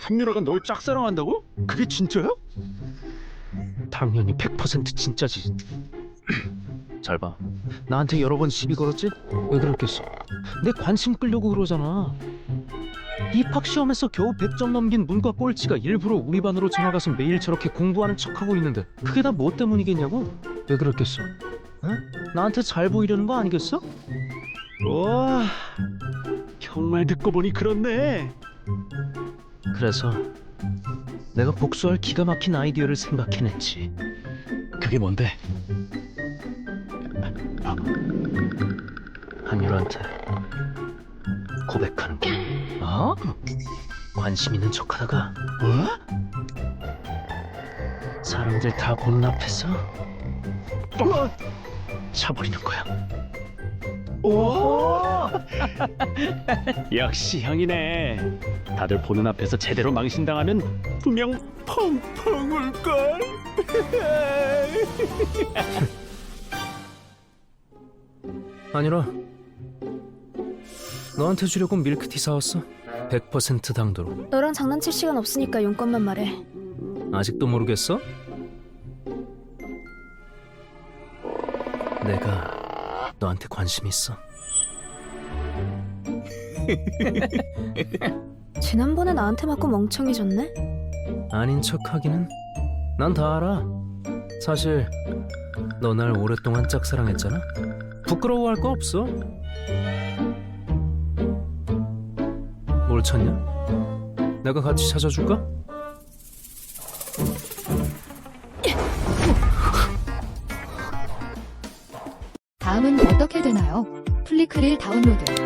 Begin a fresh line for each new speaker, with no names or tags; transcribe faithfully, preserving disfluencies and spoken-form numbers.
한유라가 널 짝사랑한다고? 그게 진짜야?
당연히 백 퍼센트 진짜지. 잘 봐. 나한테 여러 번 시비 걸었지? 왜 그랬겠어? 내 관심 끌려고 그러잖아. 입학 시험에서 겨우 백 점 넘긴 문과 꼴찌가 일부러 우리 반으로 전화가서 매일 저렇게 공부하는 척하고 있는데 그게 다 뭐 때문이겠냐고? 왜 그랬겠어? 응? 나한테 잘 보이려는 거 아니겠어?
와, 정말 듣고 보니 그렇네.
그래서 내가 복수할 기가 막힌 아이디어를 생각해냈지.
그게 뭔데?
한율한테 고백하는 게.
어?
관심 있는 척하다가
뭐?
사람들 다 보는 앞에서
어?
차버리는 거야.
오! 역시 형이네. 다들 보는 앞에서 제대로 망신당하면 분명 펑펑 울걸.
아니라 너한테 주려고 밀크티 사왔어. 백 퍼센트 당도로.
너랑 장난칠 시간 없으니까 용건만 말해.
아직도 모르겠어? 내가 너한테 관심 있어.
지난번에 나한테 맞고 멍청해졌네?
아닌 척하기는. 난 다 알아. 사실 너 날 오랫동안 짝사랑했잖아. 부끄러워할 거 없어. 뭘 찾냐? 내가 같이 찾아줄까?
다음은 어떻게 되나요? 플리크를 다운로드.